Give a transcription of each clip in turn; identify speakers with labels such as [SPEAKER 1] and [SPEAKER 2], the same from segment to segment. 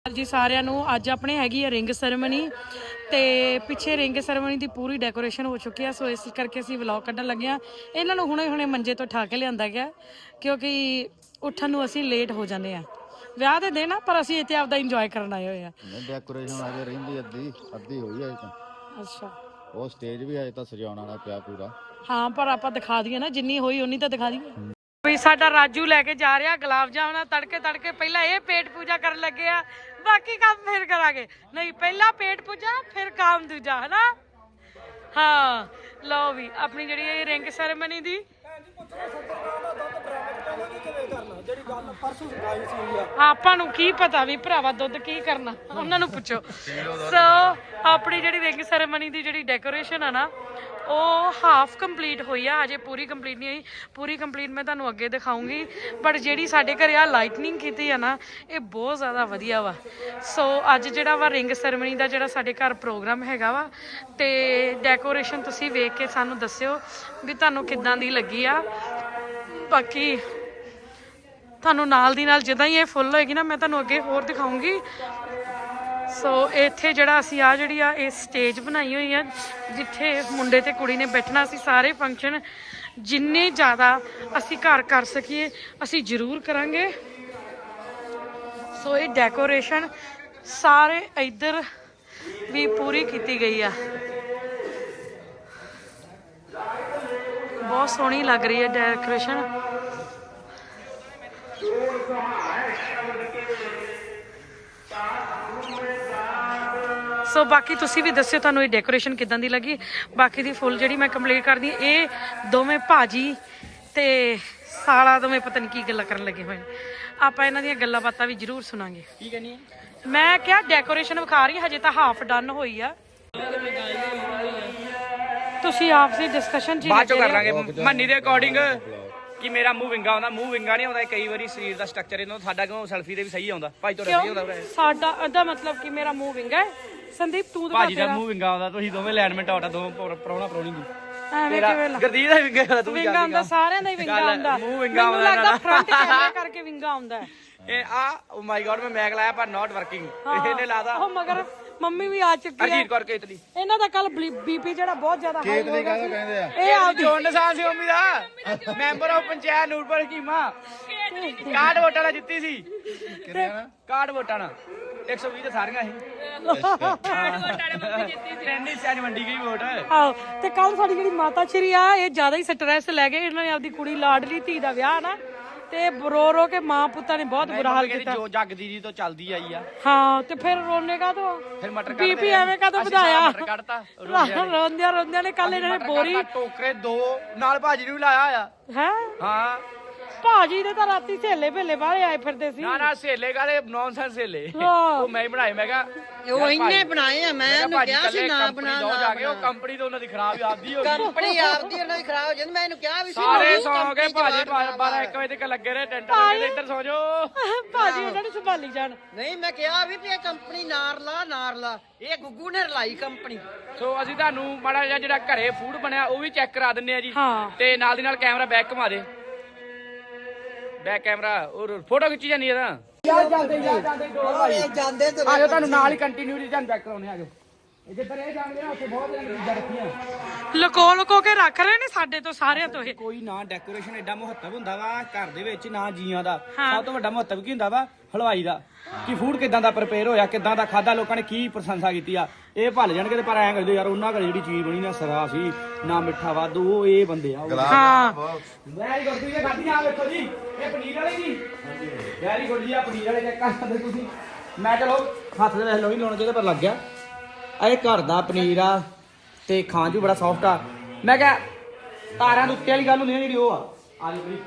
[SPEAKER 1] जी सारिਆਂ ਨੂੰ ਅੱਜ ਆਪਣੇ ਹੈਗੀ ਹੈ ਰਿੰਗ ਸੈਰੇਮਨੀ ਤੇ ਪਿੱਛੇ ਰਿੰਗ ਸੈਰੇਮਨੀ ਦੀ ਪੂਰੀ ਡੈਕੋਰੇਸ਼ਨ ਹੋ ਚੁੱਕੀ ਹੈ। ਸੋ ਇਸ ਕਰਕੇ ਅਸੀਂ ਵਲੌਗ ਕੱਢਣ ਲੱਗੇ ਆ। ਇਹਨਾਂ ਨੂੰ ਹੁਣੇ ਮੰਜੇ ਤੋਂ ਠਾ ਕੇ ਲਿਆਂਦਾ ਗਿਆ ਕਿਉਂਕਿ ਉੱਠਣ ਨੂੰ ਅਸੀਂ ਲੇਟ ਹੋ ਜਾਂਦੇ ਆ। ਵਿਆਹ ਦੇ ਦਿਨ ਆ ਪਰ ਅਸੀਂ ਇੱਥੇ ਆਪਦਾ ਇੰਜੋਏ ਕਰਨ ਆਏ ਹੋਏ ਆ।
[SPEAKER 2] ਡੈਕੋਰੇਸ਼ਨ ਅਜੇ ਰਹਿੰਦੀ ਅੱਧੀ ਹੋਈ ਹੈ ਤਾਂ।
[SPEAKER 1] ਅੱਛਾ
[SPEAKER 2] ਉਹ ਸਟੇਜ ਵੀ ਅਜੇ ਤਾਂ ਸਜਾਉਣ ਵਾਲਾ ਪਿਆ ਪੂਰਾ।
[SPEAKER 1] ਹਾਂ ਪਰ ਆਪਾਂ ਦਿਖਾ ਦਈਏ ਨਾ ਜਿੰਨੀ ਹੋਈ ਉਨੀ ਤਾਂ ਦਿਖਾ ਦਈਏ। ਵੀ ਸਾਡਾ ਰਾਜੂ ਲੈ ਕੇ ਜਾ ਰਿਹਾ ਗੁਲਾਬ ਜਾਮੁਨ ਤੜਕੇ ਪਹਿਲਾਂ ਇਹ ਪੇਟ ਪੂਜਾ ਕਰਨ ਲੱਗੇ ਆ। ਬਾਕੀ ਕੰਮ ਫਿਰ ਕਰਾਂਗੇ। ਨਹੀਂ ਪਹਿਲਾਂ ਪੇਟ ਪੂਜਾ ਫਿਰ ਕੰਮ ਦੂਜਾ ਹੈ ਨਾ। ਹਾਂ ਲਓ ਵੀ ਆਪਣੀ ਜਿਹੜੀ ਇਹ ਰਿੰਗ ਸੈਰੇਮਨੀ ਦੀ ਆਪਾਂ ਨੂੰ ਕੀ ਪਤਾ ਵੀ ਭਰਾਵਾ ਦੁੱਧ ਕੀ ਕਰਨਾ ਉਹਨਾਂ ਨੂੰ ਪੁੱਛੋ। ਸੋ ਆਪਣੀ ਜਿਹੜੀ ਰਿੰਗ ਸੈਰੇਮਨੀ ਦੀ ਜਿਹੜੀ ਡੈਕੋਰੇਸ਼ਨ ਆ ਨਾ ਉਹ ਹਾਫ ਕੰਪਲੀਟ ਹੋਈ ਆ। ਅਜੇ ਪੂਰੀ ਕੰਪਲੀਟ ਨਹੀਂ ਹੋਈ। ਪੂਰੀ ਕੰਪਲੀਟ ਮੈਂ ਤੁਹਾਨੂੰ ਅੱਗੇ ਦਿਖਾਉਂਗੀ। ਬਟ ਜਿਹੜੀ ਸਾਡੇ ਘਰੇ ਆ ਲਾਈਟਨਿੰਗ ਕੀਤੀ ਆ ਨਾ ਇਹ ਬਹੁਤ ਜ਼ਿਆਦਾ ਵਧੀਆ ਵਾ। ਸੋ ਅੱਜ ਜਿਹੜਾ ਵਾ ਰਿੰਗ ਸੈਰੇਮਨੀ ਦਾ ਜਿਹੜਾ ਸਾਡੇ ਘਰ ਪ੍ਰੋਗਰਾਮ ਹੈਗਾ ਵਾ ਤੇ ਡੈਕੋਰੇਸ਼ਨ ਤੁਸੀਂ ਵੇਖ ਕੇ ਸਾਨੂੰ ਦੱਸਿਓ ਵੀ ਤੁਹਾਨੂੰ ਕਿੱਦਾਂ ਦੀ ਲੱਗੀ ਆ। ਬਾਕੀ ਤੁਹਾਨੂੰ ਨਾਲ ਦੀ ਨਾਲ ਜਿੱਦਾਂ ਹੀ ਇਹ ਫੁੱਲ ਹੋਏਗੀ ਨਾ ਮੈਂ ਤੁਹਾਨੂੰ ਅੱਗੇ ਹੋਰ ਦਿਖਾਉਂਗੀ। ਸੋ ਇੱਥੇ ਜਿਹੜਾ ਅਸੀਂ ਜਿਹੜੀ ਆ ਇਹ ਸਟੇਜ ਬਣਾਈ ਹੋਈ ਆ ਜਿੱਥੇ ਮੁੰਡੇ ਤੇ ਕੁੜੀ ਨੇ ਬੈਠਣਾ। ਅਸੀਂ ਸਾਰੇ ਫੰਕਸ਼ਨ ਜਿੰਨੇ ਜ਼ਿਆਦਾ ਅਸੀਂ ਘਰ ਕਰ ਸਕੀਏ ਅਸੀਂ ਜ਼ਰੂਰ ਕਰਾਂਗੇ। ਸੋ ਇਹ ਡੈਕੋਰੇਸ਼ਨ ਸਾਰੇ ਇੱਧਰ ਵੀ ਪੂਰੀ ਕੀਤੀ ਗਈ ਆ। ਬਹੁਤ ਸੋਹਣੀ ਲੱਗ ਰਹੀ ਹੈ ਡੈਕੋਰੇਸ਼ਨ। ਸੋ ਬਾਕੀ ਤੁਸੀਂ ਵੀ ਦੱਸਿਓ ਤੁਹਾਨੂੰ ਇਹ ਡੈਕੋਰੇਸ਼ਨ ਕਿੱਦਾਂ ਦੀ ਲੱਗੀ। ਬਾਕੀ ਦੀ ਫੁੱਲ ਜਿਹੜੀ ਮੈਂ ਕੰਪਲੀਟ ਕਰਦੀ ਇਹ ਦੋਵੇਂ ਭਾਜੀ ਤੇ ਸਾਲਾ ਦੋਵੇਂ ਪਤਾ ਨਹੀਂ ਕੀ ਗੱਲਾਂ ਕਰਨ ਲੱਗੇ ਹੋਏ ਨੇ। ਆਪਾਂ ਇਹਨਾਂ ਦੀਆਂ ਗੱਲਾਂ ਬਾਤਾਂ ਵੀ ਜ਼ਰੂਰ ਸੁਣਾਂਗੇ। ਕੀ ਕਹਿੰਦੀ ਮੈਂ ਕਿਹਾ ਡੈਕੋਰੇਸ਼ਨ ਵਿਖਾ ਰਹੀ ਹਜੇ ਤਾਂ ਹਾਫ ਡਨ ਹੋਈ ਆ। ਤੁਸੀਂ ਆਪਸੀ ਡਿਸਕਸ਼ਨ ਜੀ
[SPEAKER 3] ਬਾਅਦ ਚੋਂ ਕਰ ਲਾਂਗੇ ਮੰਨੀ ਦੇ ਅਕੋਰਡਿੰਗ ਕਿ ਮੇਰਾ ਮੂੰਹ ਵਿੰਗਾ ਆਉਂਦਾ। ਮੂੰਹ ਵਿੰਗਾ ਨਹੀਂ ਆਉਂਦਾ ਕਈ ਵਾਰੀ ਸਰੀਰ ਦਾ ਸਟਰਕਚਰ ਇਹਨਾਂ ਸਾਡਾ ਕਿਉਂ ਸੈਲਫੀ ਦੇ ਵੀ ਸਹੀ ਆਉਂਦਾ। ਭਾਈ ਤੁਹਾਡਾ ਸਹੀ ਆਉਂਦਾ
[SPEAKER 1] ਸਾਡਾ ਇਹਦਾ ਮਤਲਬ ਕਿ ਮੇਰਾ ਮੂੰਹ ਵਿੰਗਾ ਹੈ। ਸੰਦੀਪ ਤੂੰ ਤਾਂ
[SPEAKER 3] ਭਾਜੀ ਦਾ ਮੂੰਹ ਵਿੰਗਾ ਆਉਂਦਾ। ਤੁਸੀਂ ਦੋਵੇਂ ਲਾਈਨਮੈਂਟ ਆਉਟਾ ਦੋਵੇਂ ਪ੍ਰਾਹੁਣਾ ਪ੍ਰਾਹੁਣੀ ਦੀ
[SPEAKER 1] ਐਵੇਂ ਕਿਵੇਂ
[SPEAKER 3] ਗੁਰਦੀਪ ਦਾ ਵਿੰਗਾ ਆਉਂਦਾ। ਤੂੰ
[SPEAKER 1] ਵਿੰਗਾ ਆਉਂਦਾ ਸਾਰਿਆਂ ਦਾ ਹੀ ਵਿੰਗਾ ਆਉਂਦਾ।
[SPEAKER 3] ਮੂੰਹ ਵਿੰਗਾ
[SPEAKER 1] ਮੈਨੂੰ ਲੱਗਦਾ ਫਰੰਟ ਕੈਮਰਾ ਕਰਕੇ ਵਿੰਗਾ ਆਉਂਦਾ।
[SPEAKER 3] ਇਹ ਓ ਮਾਈ ਗॉड ਮੈਂ ਮੈਕ ਲਾਇਆ ਪਰ ਨਾਟ ਵਰਕਿੰਗ। ਇਹਨੇ ਲਾਦਾ
[SPEAKER 1] ਉਹ ਮਗਰ ਮੰਮੀ ਵੀ ਆ ਚੁੱਕੀ ਹੈ
[SPEAKER 3] ਅਜੀਤ ਕੌਰ ਕੇ ਇਤਲੀ।
[SPEAKER 1] ਇਹਨਾਂ ਦਾ ਕੱਲ ਬੀਪੀ ਜਿਹੜਾ ਬਹੁਤ ਜ਼ਿਆਦਾ ਹਾਈ ਹੋ ਗਿਆ
[SPEAKER 2] ਕਹਿੰਦੇ ਆ
[SPEAKER 1] ਇਹ ਆਪਦੀ
[SPEAKER 3] ਜੋਨ ਨਿਸ਼ਾਨ ਸੀ ਮੰਮੀ ਦਾ ਮੈਂਬਰ ਆਫ ਪੰਚਾਇਤ ਨੂਰਪੁਰ ਹਕੀਮਾ। ਕਾਰਡ ਵੋਟਾਂ ਨਾਲ ਜਿੱਤੀ ਸੀ। ਕਾਰਡ ਵੋਟਾਂ ਨਾਲ 120 ਤੇ ਸਾਰੀਆਂ ਸੀ। ਟ੍ਰੈਂਡਿੰਗ ਸੈਜ ਮੰਡੀ ਗਈ ਵੋਟ।
[SPEAKER 1] ਆਹੋ ਤੇ ਕੱਲ ਸਾਡੀ ਜਿਹੜੀ ਮਾਤਾ ਸ਼੍ਰੀ ਆ ਇਹ ਜ਼ਿਆਦਾ ਹੀ ਸਟ੍ਰੈਸ ਲੈ ਗਏ। ਇਹਨਾਂ ਨੇ ਆਪਦੀ ਕੁੜੀ ਲਾਡਲੀ ਧੀ ਦਾ ਵਿਆਹ ਨਾ ਤੇ ਰੋ ਕੇ ਮਾਂ ਪੁੱਤਾਂ ਨੇ ਬਹੁਤ ਬੁਰਾ ਹਾਲ ਕੀਤਾ।
[SPEAKER 3] ਜੋ ਜੱਗ ਦੀ ਤੋਂ ਚੱਲਦੀ ਆਈ ਆ।
[SPEAKER 1] ਹਾਂ ਤੇ ਫਿਰ ਰੋਣੇ ਕਾ ਤੋਂ
[SPEAKER 3] ਫਿਰ ਮਟਰ
[SPEAKER 1] ਬੀਪੀ ਐਵੇਂ ਕਾ ਤੋਂ ਵਧਾਇਆ।
[SPEAKER 3] ਮਟਰ ਕੱਢਤਾ
[SPEAKER 1] ਰੋਂਦਿਆਂ ਨੇ ਕੱਲ ਇਹਨਾਂ ਨੇ ਬੋਰੀ
[SPEAKER 3] ਟੋਕਰੇ 2 ਨਾਲ ਭਾਜੀ ਨੂੰ ਲਾਇਆ ਆ।
[SPEAKER 1] ਹੈ
[SPEAKER 3] ਹਾਂ
[SPEAKER 1] ਭਾਜੀ ਦੇ ਤਾਂ ਰਾਤੀ ਸਹੇਲੇ ਭੇਲੇ ਬਾਹਰ ਆਏ ਫਿਰਦੇ ਸੀ।
[SPEAKER 3] ਨਾ ਸਹੇਲੇ ਕਾਲੇ ਨੌਨਸੈਂਸ ਸਹੇਲੇ
[SPEAKER 1] ਹਾਂ।
[SPEAKER 3] ਉਹ ਮੈਂ ਹੀ ਬਣਾਏ। ਮੈਂ ਕਿਹਾ
[SPEAKER 4] ਉਹ ਇੰਨੇ ਬਣਾਏ ਆ। ਮੈਂ ਉਹਨੂੰ ਕਿਹਾ ਸੀ ਨਾ ਬਣਾ
[SPEAKER 3] ਜਾ ਕੇ ਉਹ ਕੰਪਨੀ ਤੋਂ ਉਹਨਾਂ ਦੀ ਖਰਾਬ ਆਪਦੀ ਹੋ ਗਈ।
[SPEAKER 4] ਕੰਪਨੀ ਆਪਦੀ ਉਹਨਾਂ ਦੀ ਖਰਾਬ ਹੋ ਜਾਂਦੀ। ਮੈਂ ਇਹਨੂੰ ਕਿਹਾ ਵੀ ਸੀ
[SPEAKER 3] ਸਾਰੇ ਸੌਂ ਗਏ ਭਾਜੀ 12 1 ਵਜੇ ਤੱਕ ਲੱਗੇ ਰਹੇ ਟੈਂਟ ਲਾ ਕੇ ਇੱਧਰ ਸੌ ਜਾਓ।
[SPEAKER 1] ਭਾਜੀ ਉਹਨਾਂ ਨੂੰ ਸੰਭਾਲੀ ਜਾਣ।
[SPEAKER 4] ਨਹੀਂ ਮੈਂ ਕਿਹਾ ਵੀ ਇਹ ਕੰਪਨੀ ਨਾਰ ਲਾ ਇਹ ਗੁੱਗੂ ਨੇ ਰਲਾਈ ਕੰਪਨੀ।
[SPEAKER 3] ਸੋ ਅਸੀਂ ਤੁਹਾਨੂੰ ਮਾੜਾ ਜਿਹਾ ਜਿਹੜਾ ਘਰੇ ਫੂਡ ਬਣਿਆ ਉਹ ਵੀ ਚੈੱਕ ਕਰਾ ਦਿੰਨੇ ਆ ਜੀ।
[SPEAKER 1] ਹਾਂ
[SPEAKER 3] ਤੇ ਨਾਲ ਦੀ ਨਾਲ ਕੈਮਰਾ ਬੈਕ ਘੁਮਾ ਦੇ। ਬੈਕ ਕੈਮਰਾ ਔਰ ਫੋਟੋ ਖਿੱਚੀ ਜਾਂਦੀ ਹੈ ਨਾ। ਜਾਂਦੇ
[SPEAKER 4] ਤੇ
[SPEAKER 3] ਆਜੋ ਤੁਹਾਨੂੰ ਨਾਲ ਹੀ ਕੰਟੀਨਿਊਟੀ ਤੁਹਾਨੂੰ ਚੈੱਕ ਕਰਾਉਣੇ ਆਜੋ। ਜਿੱਧਰ ਇਹ ਜਾਂਦੇ ਆ ਉੱਥੇ ਬਹੁਤ ਜਣ ਚੀਜ਼ਾਂ ਰੱਖੀਆਂ
[SPEAKER 1] ਲੁਕੋ ਕੇ ਰੱਖ ਰਹੇ ਨੇ ਸਾਡੇ ਤੋਂ ਸਾਰਿਆਂ ਤੋਂ ਇਹ।
[SPEAKER 3] ਕੋਈ ਨਾ ਡੈਕੋਰੇਸ਼ਨ ਐਡਾ ਮਹੱਤਵ ਹੁੰਦਾ ਵਾ ਘਰ ਦੇ ਵਿੱਚ ਨਾ ਜੀਆਂ ਦਾ। ਸਭ ਤੋਂ ਵੱਡਾ ਮਹੱਤਵ ਕੀ ਹੁੰਦਾ ਵਾ ਹਲਵਾਈ ਦਾ ਕਿ ਫੂਡ ਕਿਦਾਂ ਦਾ ਪ੍ਰਪੇਅਰ ਹੋਇਆ ਕਿਦਾਂ ਦਾ ਖਾਦਾ ਲੋਕਾਂ ਨੇ ਕੀ ਪ੍ਰਸ਼ੰਸਾ ਕੀਤੀ ਆ। ਇਹ ਭੱਲ ਜਾਣਗੇ ਤੇ ਪਰ ਐਂ ਕਰਦੇ ਯਾਰ ਉਹਨਾਂ ਘਰੇ ਜਿਹੜੀ ਚੀਜ਼ ਬਣੀ ਨਾ ਸਰਾ ਸੀ ਨਾ ਮਿੱਠਾ ਵਾਧੂ ਉਹ ਇਹ ਬੰਦੇ ਆ।
[SPEAKER 1] ਹਾਂ
[SPEAKER 3] ਵੈਰੀ ਗੁੱਡ ਤੁਸੀਂ ਖਾਧੀ ਆ ਵੇਖੋ ਜੀ ਇਹ ਪਨੀਰ ਵਾਲੀ ਜੀ। ਵੈਰੀ ਗੁੱਡ ਜੀ ਆ ਪਨੀਰ ਵਾਲੇ ਚੈੱਕ ਕਰ ਸਕਦੇ ਤੁਸੀਂ। ਮੈਂ ਚਲੋ ਹੱਥ ਦੇ ਵੇਖ ਲਓ ਹੀ ਲਾਉਣਾ ਚਾਹੀਦਾ ਪਰ ਲੱਗ ਗਿਆ। ਇਹ ਘਰ ਦਾ ਪਨੀਰ ਆ ਤੇ ਖਾਣ 'ਚ ਬੜਾ ਸੌਫਟ ਆ। ਮੈਂ ਕਿਹਾ ਤਾਰਿਆਂ ਦੇ ਉੱਤੇ ਵਾਲੀ ਗੱਲ ਹੁੰਦੀ ਨਾ ਜਿਹੜੀ ਉਹ ਆ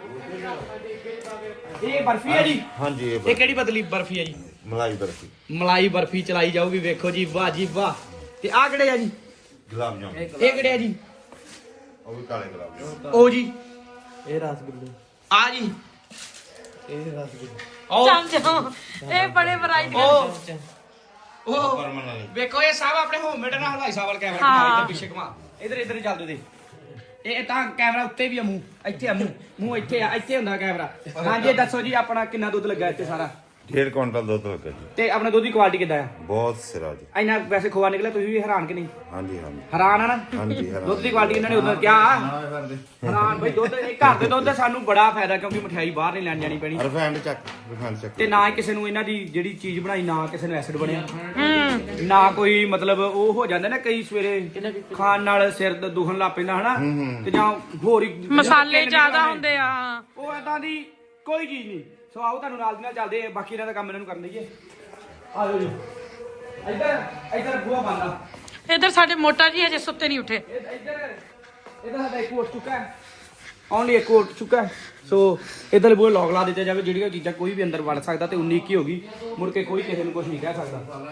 [SPEAKER 3] ਇਹ ਬਰਫੀ ਹੈ ਜੀ।
[SPEAKER 2] ਹਾਂਜੀ
[SPEAKER 3] ਇਹ ਕਿਹੜੀ ਬਦਲੀ ਬਰਫੀ ਹੈ ਜੀ?
[SPEAKER 2] ਮਲਾਈ
[SPEAKER 3] ਬਰਫੀ ਚਲਾਈ ਜਾਊਗੀ। ਵੇਖੋ ਜੀ ਵਾਹ ਜੀ ਵਾਹ। ਤੇ ਆਹ ਕਿਹੜੇ ਆ ਜੀ?
[SPEAKER 2] ਗੁਲਾਬ ਜਾਮੁਨ।
[SPEAKER 3] ਇਹ ਕਿਹੜੇ ਆ ਜੀ?
[SPEAKER 2] ਉਹ ਵੀ ਕਾਲੇ ਗੁਲਾਬ ਜਾਮੁਨ।
[SPEAKER 3] ਉਹ ਜੀ
[SPEAKER 5] ਇਹ ਰਸਗੁੱਲੇ।
[SPEAKER 3] ਆ ਜੀ
[SPEAKER 5] ਇਹ ਰਸਗੁੱਲੇ।
[SPEAKER 3] ਉਹ
[SPEAKER 1] ਚਮਚ ਇਹ ਬੜੇ ਵੈਰਾਈਟੀ
[SPEAKER 3] ਉਹ
[SPEAKER 2] ਪਰਮਨ ਵਾਲੀ।
[SPEAKER 3] ਵੇਖੋ ਇਹ ਸਭ ਆਪਣੇ ਹੋਮਮੇਡ ਨਾਲ ਹਲਵਾਈ ਸਾਹਿਬ ਵਾਲ ਕੈਮਰਾ ਘੁਮਾ ਇੱਧਰ ਪਿੱਛੇ ਘੁਮਾ ਇੱਧਰ ਹੀ ਚੱਲਦੇ ਦੇ। ਇਹ ਤਾਂ ਕੈਮਰਾ ਉੱਤੇ ਵੀ ਆ ਮੂੰਹ ਇੱਥੇ ਆ ਮੂੰਹ ਇੱਥੇ ਆ ਇੱਥੇ ਹੁੰਦਾ ਕੈਮਰਾ। ਹਾਂਜੀ ਦੱਸੋ ਜੀ ਆਪਣਾ ਕਿੰਨਾ ਦੁੱਧ ਲੱਗਾ ਇੱਥੇ ਸਾਰਾ?
[SPEAKER 2] 1.5 ਕੁਇੰਟਲ ਦੁੱਧ ਲੱਗਾ ਜੀ।
[SPEAKER 3] ਤੇ ਆਪਣੇ ਦੁੱਧ ਦੀ ਕੁਆਲਿਟੀ ਕਿੱਦਾਂ ਆ?
[SPEAKER 2] ਬਹੁਤ ਸਿਰਾ ਜੀ।
[SPEAKER 3] ਇੰਨਾ ਵੈਸੇ ਖੋਆ ਨਿਕਲਿਆ, ਤੁਸੀਂ ਵੀ ਹੈਰਾਨ ਕਿ ਨਹੀਂ?
[SPEAKER 2] ਹਾਂਜੀ ਹਾਂਜੀ
[SPEAKER 3] ਹੈਰਾਨ ਆ ਨਾ?
[SPEAKER 2] ਹਾਂਜੀ ਹੈਰਾਨ।
[SPEAKER 3] ਦੁੱਧ ਦੀ ਕੁਆਲਿਟੀ ਇਹਨਾਂ ਨੇ ਉਦੋਂ ਕਿਹਾ ਹੈਰਾਨ ਬਈ ਦੁੱਧ ਇਹ ਘਰ ਦੇ ਦੁੱਧ ਦਾ ਸਾਨੂੰ ਬੜਾ ਫਾਇਦਾ, ਕਿਉਂਕਿ ਮਠਿਆਈ ਬਾਹਰ ਨਹੀਂ ਲੈਣ ਜਾਣੀ ਪੈਣੀ
[SPEAKER 2] ਰਿਫਾਈਂਡ ਚੱਕ
[SPEAKER 3] ਤੇ ਨਾ ਹੀ ਕਿਸੇ ਨੂੰ ਇਹਨਾਂ ਦੀ ਜਿਹੜੀ ਚੀਜ਼ ਬਣਾਈ ਨਾ ਕਿਸੇ ਨੂੰ ਐਸਿਡ ਬਣਿਆ ਨਾ ਕੋਈ ਮਤਲਬ ਉਹ ਹੋ ਜਾਂਦਾ ਨਾ ਕਈ ਸਵੇਰੇ ਖਾਣ ਨਾਲ ਸਿਰ ਦੁਖਣ ਲੱਗ ਪੈਂਦਾ ਹਨਾ ਤੇ ਜਾਂ ਹੋਰ ਹੀ
[SPEAKER 1] ਮਸਾਲੇ ਜ਼ਿਆਦਾ ਹੁੰਦੇ ਆ।
[SPEAKER 3] ਉਹ ਏਦਾਂ ਦੀ ਕੋਈ ਚੀਜ਼ ਨਹੀਂ। ਸੋ ਆਓ ਤੁਹਾਨੂੰ ਨਾਲ ਦੀ ਨਾਲ ਚੱਲਦੇ ਆ, ਬਾਕੀ ਇਹਨਾਂ ਦਾ ਕੰਮ ਇਹਨਾਂ ਨੂੰ ਕਰਨ ਦਈਏ। ਆ ਜਾਓ ਜੀ ਇੱਧਰ ਬੂਹਾ ਬੰਦਾ।
[SPEAKER 1] ਇੱਧਰ ਸਾਡੇ ਮੋਟਾ ਜੀ ਹਜੇ ਸੁੱਤੇ ਨਹੀਂ ਉੱਠੇ।
[SPEAKER 3] ਇੱਧਰ ਸਾਡਾ ਇੱਕ ਉੱਠ ਚੁੱਕਾ ਹੈ, ਓਨਲੀ ਇੱਕ ਉੱਠ ਚੁੱਕਾ ਹੈ। ਸੋ ਇੱਧਰ ਬੂਹੇ ਲੌਕ ਲਾ ਦਿੱਤੇ ਜਾਵੇ, ਜਿਹੜੀਆਂ ਚੀਜ਼ਾਂ ਕੋਈ ਵੀ ਅੰਦਰ ਵੜ ਸਕਦਾ ਤੇ 19 ਕੀ ਹੋ ਗਈ, ਮੁੜ ਕੇ ਕੋਈ ਕਿਸੇ ਨੂੰ ਕੁਝ ਨਹੀਂ ਕਹਿ ਸਕਦਾ।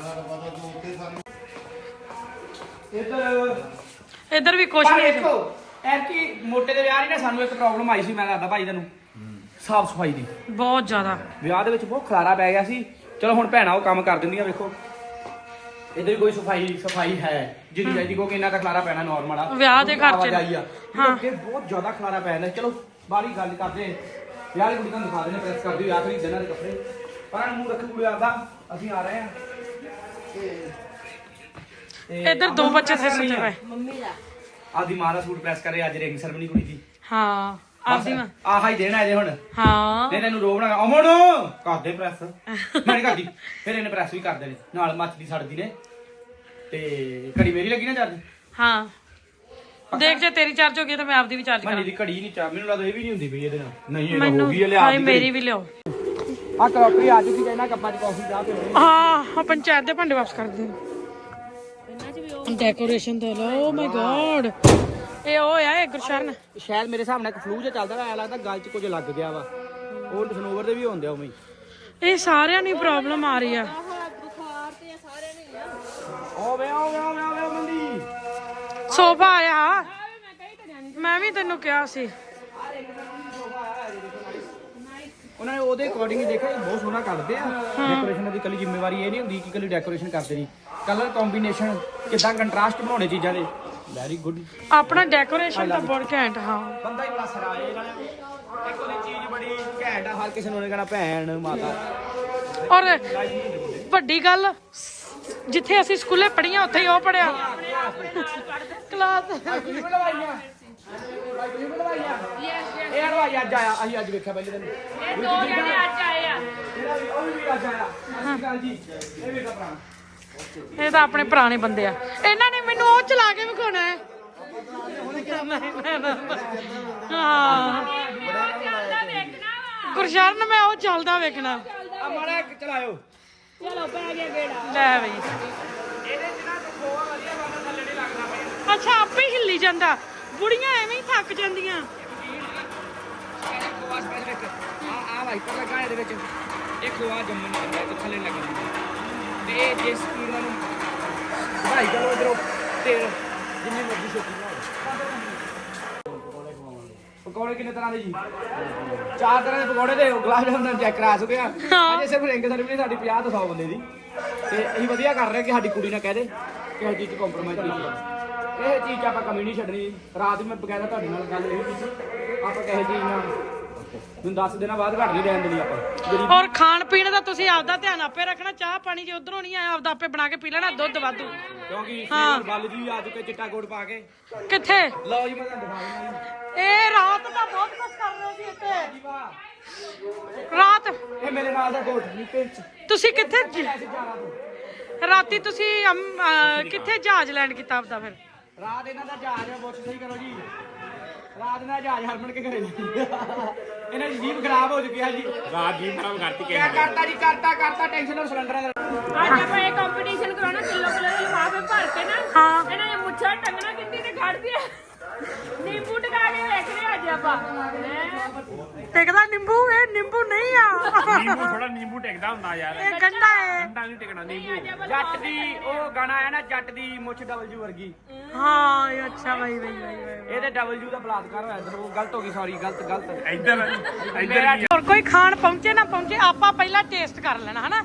[SPEAKER 1] ਇੱਧਰ ਵੀ ਕੁਛ
[SPEAKER 3] ਪਰ
[SPEAKER 1] ਨਹੀਂ।
[SPEAKER 3] ਦੇਖੋ ਐਰਕੀ ਮੋਟੇ ਦੇ ਵਿਆਹ 'ਚ ਨਾ ਸਾਨੂੰ ਇੱਕ ਪ੍ਰੋਬਲਮ ਆਈ ਸੀ, ਮੈਂ ਦੱਸਦਾ ਭਾਈ ਤੁਹਾਨੂੰ, ਸਾਫ ਸਫਾਈ ਦੀ।
[SPEAKER 1] ਬਹੁਤ ਜ਼ਿਆਦਾ
[SPEAKER 3] ਵਿਆਹ ਦੇ ਵਿੱਚ ਬਹੁਤ ਖਲਾਰਾ ਪੈ ਗਿਆ ਸੀ। ਚਲੋ ਹੁਣ ਭੈਣਾਂ ਉਹ ਕੰਮ ਕਰ ਦਿੰਦੀਆਂ, ਵੇਖੋ ਇੱਧਰ ਵੀ ਕੋਈ ਸਫਾਈ ਹੈ ਜਿੰਨੀ ਚਾਹੀਦੀ, ਕਿਉਂਕਿ ਇੰਨਾ ਤਾਂ ਖਲਾਰਾ ਪੈਣਾ ਨਾਰਮਲ ਆ
[SPEAKER 1] ਵਿਆਹ ਦੇ ਘਰ 'ਚ।
[SPEAKER 3] ਆਵਾਜਾਈ ਆ। ਅੱਗੇ ਬਹੁਤ ਜ਼ਿਆਦਾ ਖਲਾਰਾ ਪੈ ਜਾਂਦਾ। ਚਲੋ ਬਾਹਲੀ ਗੱਲ ਕਰਦੇ, ਵਿਆਹ ਦੀ ਕੁੜੀ ਤੁਹਾਨੂੰ ਦਿਖਾ ਦਿੰਦੇ, ਪ੍ਰੈਸ ਕਰਦੀ ਵਿਆਹ ਖਰੀਦ ਇਹਨਾਂ ਦੇ ਕੱਪੜੇ, ਪਰ ਮੂੰਹ ਰੱਖ ਕੁੜੀ ਆਦਾ ਅਸੀਂ ਆ ਰਹੇ ਹਾਂ।
[SPEAKER 1] ਇੱਧਰ ਦੋ ਬੱਚੇ ਥੇ ਸੁੱਤੇ ਪਏ।
[SPEAKER 3] ਆਪਦੀ ਮਾਂ ਦਾ ਸੂਟ ਪ੍ਰੈਸ ਕਰੇ, ਅੱਜ ਰਿੰਗ ਸਰਮਨੀ ਕੁੜੀ ਦੀ।
[SPEAKER 1] ਹਾਂ ਆਪਦੀ ਮਾਂ।
[SPEAKER 3] ਆਹ ਹੀ ਦੇਣਾ ਇਹਦੇ ਹੁਣ।
[SPEAKER 1] ਹਾਂ
[SPEAKER 3] ਨਹੀਂ ਤੈਨੂੰ ਰੋਕਣਾ ਅਮਨ ਕਰਦੇ ਪ੍ਰੈਸ ਮੈਂ ਨਹੀਂ ਕਰਦੀ। ਫਿਰ ਇਹਨੇ ਪ੍ਰੈਸ ਵੀ ਕਰਦੇ ਨੇ ਨਾਲ ਮੱਚਦੀ ਸੜਦੀ ਨੇ। ਤੇ ਘੜੀ ਮੇਰੀ ਲੱਗੀ ਨਾ ਚਾਰਜ?
[SPEAKER 1] ਹਾਂ ਦੇਖ ਜੇ ਤੇਰੀ ਚਾਰਜ ਹੋ ਗਈ ਤਾਂ ਮੈਂ ਆਪਦੀ ਵੀ ਚਾਰਜ ਕਰਾਂ।
[SPEAKER 3] ਮੇਰੀ ਘੜੀ ਨਹੀਂ ਚਾਰਜ, ਮੈਨੂੰ ਲੱਗਦਾ ਇਹ ਵੀ ਨਹੀਂ ਹੁੰਦੀ ਪਈ ਇਹਦੇ ਨਾਲ। ਨਹੀਂ ਇਹ
[SPEAKER 1] ਮੈਨੂੰ
[SPEAKER 3] ਹੋ ਗਈ, ਲਿਆ
[SPEAKER 1] ਹਾਏ ਮੇਰੀ ਵੀ ਲਿਆਓ।
[SPEAKER 3] ਆ ਕਰੋਕਰੀ ਆ ਚੁੱਕੀ ਹੈ ਨਾ, ਕੱਪਾਂ 'ਚ ਕਾਫੀ ਚਾਹ ਪੀਣੀ।
[SPEAKER 1] ਹਾਂ ਪੰਚਾਇਤ ਦੇ ਭਾਂਡੇ ਵਾਪਸ ਕਰ ਦੇ। ਡੈਕੋਰੇਸ਼ਨ ਤੇ ਲੋ ਮਾਈ ਗॉड ਇਹ ਉਹ ਆ ਇਹ ਗੁਰਸ਼ਰਨ।
[SPEAKER 3] ਸ਼ਾਇਦ ਮੇਰੇ ਹਿਸਾਬ ਨਾਲ ਇੱਕ ਫਲੂ ਜਿਹਾ ਚੱਲਦਾ ਐ ਲੱਗਦਾ, ਗਲ 'ਚ ਕੁਝ ਲੱਗ ਗਿਆ ਵਾ। ਉਹ ਸਨੋਵਰ ਦੇ ਵੀ ਹੁੰਦੇ ਆ ਉਵੇਂ ਹੀ।
[SPEAKER 1] ਇਹ ਸਾਰਿਆਂ ਨੂੰ ਪ੍ਰੋਬਲਮ ਆ ਰਹੀ ਆ।
[SPEAKER 3] ਓਵੇ ਮੰਦੀ
[SPEAKER 1] ਸੋਫਾ ਆਇਆ, ਮੈਂ ਵੀ ਤੈਨੂੰ ਕਿਹਾ ਸੀ।
[SPEAKER 3] ਉਹਨਾਂ ਨੇ ਉਹਦੇ ਅਕੋਰਡਿੰਗ ਹੀ ਦੇਖਿਆ, ਬਹੁਤ ਸੋਹਣਾ ਕਰਦੇ ਆ। ਡੈਕੋਰੇਸ਼ਨ ਦੀ ਕੱਲੀ ਜ਼ਿੰਮੇਵਾਰੀ ਇਹ ਨਹੀਂ ਹੁੰਦੀ ਕਿ ਕੱਲੀ ਡੈਕੋਰੇਸ਼ਨ ਕਰਦੇ ਨਹੀਂ, ਕਲਰ ਕੰਬੀਨੇਸ਼ਨ ਕਿਦਾਂ ਕੰਟਰਾਸਟ ਬਣਾਉਣੇ ਚੀਜ਼ਾਂ ਦੇ। Very good.
[SPEAKER 1] ਆਪਣਾ ਡੈਕੋਰੇਸ਼ਨ ਤਾਂ ਬਹੁਤ ਘੈਂਟ। ਹਾਂ
[SPEAKER 3] ਬੰਦਾ ਹੀ ਬੜਾ ਸਰਾਏ ਇਹਨਾਂ ਨੇ। ਇੱਕ ਉਹਦੀ ਚੀਜ਼ ਬੜੀ ਘੈਂਟ ਆ, ਹਰ ਕਿਸੇ ਨੂੰ ਉਹਨੇ ਕਹਿਣਾ ਭੈਣ ਮਾਤਾ।
[SPEAKER 1] ਔਰ ਵੱਡੀ ਗੱਲ, ਜਿੱਥੇ ਅਸੀਂ ਸਕੂਲੇ ਪੜ੍ਹੀਆਂ ਉੱਥੇ ਹੀ ਉਹ ਪੜਿਆ ਕਲਾਸ।
[SPEAKER 3] ਇਹ ਹਲਵਾਈ ਅੱਜ ਆਇਆ, ਅਸੀਂ ਅੱਜ ਵੇਖਿਆ ਪਹਿਲੇ ਦਿਨ। ਇਹ ਦੋ ਜਣੇ ਅੱਜ ਆਏ ਆ। ਉਹ ਵੀ ਅੱਜ ਆਇਆ। ਸਤਿ ਸ਼੍ਰੀ ਅਕਾਲ ਜੀ। ਇਹ ਵੀ ਤਾਂ ਭਰਾ।
[SPEAKER 1] ਇਹ ਤਾਂ ਆਪਣੇ ਪੁਰਾਣੇ ਬੰਦੇ ਆ। ਇਹਨਾਂ ਨੇ ਮੈਨੂੰ ਉਹ ਚਲਾ ਕੇ ਵਿਖਾਉਣਾ ਹੈ। ਹਾਂ ਗੁਰਸ਼ਰਨ ਮੈਂ ਉਹ ਚੱਲਦਾ ਵੇਖਣਾ।
[SPEAKER 3] ਆ ਮਾੜਾ ਚਲਾਇਓ।
[SPEAKER 1] ਚਲੋ ਪੈ ਗਿਆ ਗੇੜਾ। ਲੈ ਬਈ ਅੱਛਾ ਆਪੇ ਹੀ ਹਿੱਲੀ ਜਾਂਦਾ। ਬੁੜੀਆਂ ਐਵੇਂ ਹੀ ਥੱਕ ਜਾਂਦੀਆਂ।
[SPEAKER 3] ਆ ਵਾਈਪਰ ਲੱਗਾ ਇਹਦੇ ਵਿੱਚ, ਇਹ ਖੋਆ ਜੰਮਣ ਨਹੀਂ ਦਿੰਦਾ, ਤੇ ਥੱਲੇ ਲੱਗਣਾ। ਤੇ ਇਹ ਜੇ ਸਪੀਡ ਨਾਲ ਭਾਈ ਚਲੋ ਇਧਰੋਂ ਤੇਲ ਜਿੰਨੀ ਮਰਜ਼ੀ ਛੇਤੀ ਬਣਾਓ। ਪਕੌੜੇ ਕਿੰਨੇ ਤਰ੍ਹਾਂ ਦੇ ਜੀ? 4 ਤਰ੍ਹਾਂ ਦੇ ਪਕੌੜੇ ਤੇ ਗੁਲਾਬ ਜਾਮੁਨ ਚੈੱਕ ਕਰਾ ਚੁੱਕੇ ਆ। ਅਜੇ ਸਿਰਫ ਰਿੰਗ ਸਰਵਿਸ ਸਾਡੀ 50 ਤੋਂ 100 ਬੰਦੇ ਦੀ, ਤੇ ਅਸੀਂ ਵਧੀਆ ਕਰ ਰਹੇ ਕਿ ਸਾਡੀ ਕੁੜੀ ਨਾ ਕਹਿ ਦੇ ਕਿ ਇਹ ਚੀਜ਼ 'ਚ ਕੰਪਰੋਮਾਈਜ਼ ਨਹੀਂ ਕਰਨਾ। ਇਹ ਚੀਜ਼ 'ਚ ਆਪਾਂ ਕਮੀ ਨਹੀਂ ਛੱਡਣੀ। ਰਾਤ ਵੀ ਮੈਂ ਬਕਾਇਦਾ ਤੁਹਾਡੇ ਨਾਲ ਗੱਲ ਇਹ ਕੀਤੀ, ਆਪਾਂ ਕਿਸੇ ਚੀਜ਼ ਨਾਲ ਮੈਨੂੰ 10 ਦਿਨਾਂ ਬਾਅਦ ਘੱਟ ਨਹੀਂ ਰਹਿਣ ਦੇਣੀ ਆਪਾਂ।
[SPEAKER 1] ਔਰ ਖਾਣ ਪੀਣ ਦਾ ਤੁਸੀਂ ਆਪਦਾ ਧਿਆਨ ਆਪੇ ਰੱਖਣਾ। ਚਾਹ ਪਾਣੀ ਜੇ ਉਧਰੋਂ ਨਹੀਂ ਆਇਆ ਆਪਦਾ ਆਪੇ ਬਣਾ ਕੇ ਪੀ ਲੈਣਾ। ਦੁੱਧ ਵਾਧੂ,
[SPEAKER 3] ਕਿਉਂਕਿ
[SPEAKER 1] ਹਾਂ।
[SPEAKER 3] ਬੱਲ ਜੀ ਆ ਚੁੱਕੇ ਚਿੱਟਾ ਗੁੜ ਪਾ ਕੇ।
[SPEAKER 1] ਕਿੱਥੇ
[SPEAKER 3] ਲਓ ਜੀ ਮੈਂ ਤੁਹਾਨੂੰ ਦਿਖਾ ਦਿੰਦਾ
[SPEAKER 1] ਇਹ ਰਾਤ ਦਾ ਬਹੁਤ ਕੁਝ ਕਰ ਰਹੇ ਸੀ ਇੱਥੇ।
[SPEAKER 3] ਜੀ। ਵਾਹ,
[SPEAKER 1] ਰਾਤ
[SPEAKER 3] ਇਹ ਮੇਰੇ ਨਾਲ ਦਾ ਕੋਟ ਨਹੀਂ ਪਿੰਚ।
[SPEAKER 1] ਤੁਸੀਂ ਕਿੱਥੇ
[SPEAKER 3] ਅਸੀਂ ਜਾਣਾ ਤੋਂ
[SPEAKER 1] ਰਾਤੀ ਤੁਸੀਂ ਕਿੱਥੇ ਜਹਾਜ਼ ਲੈਂਡ ਕੀਤਾ ਆਪਦਾ? ਫਿਰ
[SPEAKER 3] ਰਾਤ ਇਹਨਾਂ ਦਾ ਜਹਾਜ਼ ਪੁੱਛ ਸਹੀ ਕਰੋ ਜੀ। ਰਾਤ ਦਾ ਜਹਾਜ਼ ਹਰਮਨ ਕੇ ਘਰੇ ਇਹਨਾਂ ਦੀ ਜੀਭ ਖਰਾਬ ਹੋ ਚੁੱਕੀ ਹੈ ਜੀ। ਰਾਤ ਜੀਭ ਖਰਾਬ ਕਰਤੀ ਕਿਆ ਕਰਤਾ ਜੀ? ਕਰਤਾ ਟੈਨਸ਼ਨ ਔਰ ਸਿਲੰਡਰਾਂ ਦਾ।
[SPEAKER 6] ਅੱਜ ਆਪਾਂ ਇਹ ਕੰਪੀਟੀਸ਼ਨ ਕਰਾਉਣਾ, ਕਿਲੋ ਦੇ ਲਿਫਾਫੇ ਭਰ ਕੇ ਨਾ।
[SPEAKER 1] ਹਾਂ
[SPEAKER 6] ਇਹਨਾਂ ਨੇ ਮੁੱਛਾਂ ਟੰਗਣਾ ਕਿੰਨੀ ਤੇ ਖੜਦੀ ਆ। ਨਿੰਬੂ ਟਕਾ ਕੇ ਵੇਖਦੇ ਅੱਜ ਆਪਾਂ।
[SPEAKER 1] ਟਿਕਦਾ ਨਿੰਬੂ? ਇਹ ਨਿੰਬੂ ਨਹੀਂ ਆ।
[SPEAKER 7] ਨਿੰਬੂ ਥੋੜਾ ਨਿੰਬੂ ਟਿਕਦਾ ਹੁੰਦਾ ਯਾਰ।
[SPEAKER 1] ਇਹ ਗੰਡਾ ਹੈ।
[SPEAKER 7] ਗੰਡਾ ਨਹੀਂ ਟਿਕਣਾ ਨਿੰਬੂ।
[SPEAKER 3] ਜੱਟ ਦੀ ਉਹ ਗਾਣਾ ਆਇਆ ਨਾ, ਜੱਟ ਦੀ ਮੁੱਛ ਡਬਲਯੂ ਵਰਗੀ।
[SPEAKER 1] ਹਾਂ ਇਹ ਅੱਛਾ ਬਾਈ ਬਾਈ ਬਾਈ।
[SPEAKER 3] ਇਹਦੇ ਡਬਲਯੂ ਦਾ ਬਲਾਤਕਾਰ ਹੋਇਆ ਇੱਧਰ। ਉਹ ਗਲਤ ਹੋ ਗਈ, ਸੌਰੀ ਗਲਤ।
[SPEAKER 7] ਇੱਧਰ
[SPEAKER 1] ਹੋਰ ਕੋਈ ਖਾਣ ਪਹੁੰਚੇ ਨਾ ਪਹੁੰਚੇ, ਆਪਾਂ ਪਹਿਲਾਂ ਟੇਸਟ ਕਰ ਲੈਣਾ ਹਨਾ।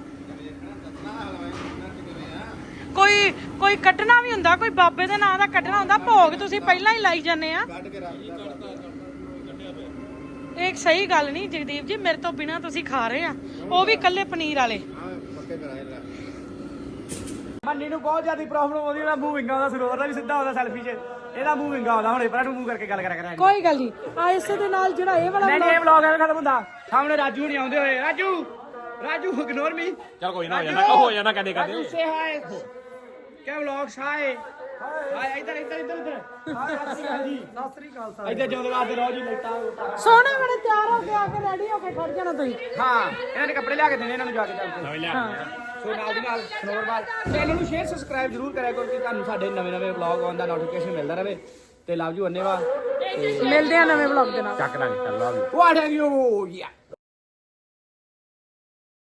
[SPEAKER 1] ਕੋਈ ਕੱਢਣਾ ਵੀ ਹੁੰਦਾ, ਕੋਈ ਬਾਬੇ ਦੇ ਨਾਂ ਦਾ ਕੱਢਣਾ ਹੁੰਦਾ। ਭੋਗ ਤੁਸੀਂ ਪਹਿਲਾਂ ਹੀ ਲਾਈ ਜਾਂਦੇ ਆ। ਇਹ ਸਹੀ ਗੱਲ ਨਹੀਂ ਜਗਦੀਪ ਜੀ, ਮੇਰੇ ਤੋਂ ਬਿਨਾ ਤੁਸੀਂ ਖਾ ਰਹੇ ਆ, ਉਹ ਵੀ ਕੱਲੇ ਪਨੀਰ ਵਾਲੇ।
[SPEAKER 3] ਮੰਨੀ ਨੂੰ ਬਹੁਤ ਜ਼ਿਆਦਾ ਪ੍ਰੋਬਲਮ ਆਉਂਦੀ, ਉਹਦਾ ਮੂੰਹ ਵਿੰਗਾ ਉਹਦਾ ਸਰੋਵਰ ਦਾ ਵੀ ਸਿੱਧਾ ਆਉਂਦਾ ਸੈਲਫੀ 'ਚ, ਇਹਦਾ ਮੂੰਹ ਵਿੰਗਾ ਆਉਂਦਾ। ਹੁਣ ਪਰ ਨੂੰ ਮੂੰਹ ਕਰਕੇ ਗੱਲ ਕਰਿਆ ਕਰਾਂਗੇ।
[SPEAKER 1] ਕੋਈ ਗੱਲ ਨਹੀਂ, ਆ ਇਸੇ ਦੇ ਨਾਲ ਜਿਹੜਾ ਇਹ ਵਾਲਾ
[SPEAKER 3] ਨਹੀਂ ਇਹ ਵਲੌਗ ਐਵੇਂ ਖਤਮ ਹੁੰਦਾ। ਸਾਹਮਣੇ ਰਾਜੂ ਨਹੀਂ ਆਉਂਦੇ ਹੋਏ। Raju ignore me.
[SPEAKER 7] ਚਲ ਕੋਈ ਨਾ ਹੋ ਜਾਣਾ ਕਦੇ
[SPEAKER 3] ਰਾਜੂ ਸੇ ਹਾਏ ਕਿਆ ਵਲੌਗ ਸਾਏ ਹਾਏ ਇੱਧਰ ਹਾਏ ਸਤਿ ਸ੍ਰੀ ਅਕਾਲ ਇੱਧਰ ਜਿਉਂਦੇ ਵਾਸਤੇ ਰਹੋ ਜੀ। ਲਾਈਟਾਂ
[SPEAKER 1] ਸੋਹਣੇ ਬੜੇ ਤਿਆਰ ਹੋ ਕੇ ਆ ਕੇ ਰੈਡੀ ਹੋ ਕੇ ਖੜ ਜਾਣਾ ਤੁਸੀਂ।
[SPEAKER 3] ਹਾਂ ਇਹਨਾਂ ਨੇ ਕੱਪੜੇ ਲਿਆ ਕੇ ਦੇਣੇ ਇਹਨਾਂ ਨੂੰ ਜਾ ਕੇ ਚੱਲ ਕੇ। ਸੋ ਨਾਲ ਦੀ ਨਾਲ ਸਨੋਰਵਾਲ ਚੈਨਲ ਨੂੰ ਸ਼ੇਅਰ ਸਬਸਕ੍ਰਾਈਬ ਜ਼ਰੂਰ ਕਰਿਆ ਕਰੋ ਕਿ ਤੁਹਾਨੂੰ ਸਾਡੇ ਨਵੇਂ ਵਲੌਗ ਆਉਣ ਦਾ ਨੋਟੀਫਿਕੇਸ਼ਨ ਮਿਲਦਾ ਰਹੇ। ਤੇ ਲਵ ਯੂ ਅੰਨੇਵਾ।
[SPEAKER 1] ਮਿਲਦੇ ਆ ਨਵੇਂ ਵਲੌਗ ਦੇ ਨਾਲ।
[SPEAKER 7] ਚੱਕ ਲਾਂਗੇ ਚੱਲ ਲਾ
[SPEAKER 3] ਵਾਟ ਹੈਵ ਯੂ ਯਾ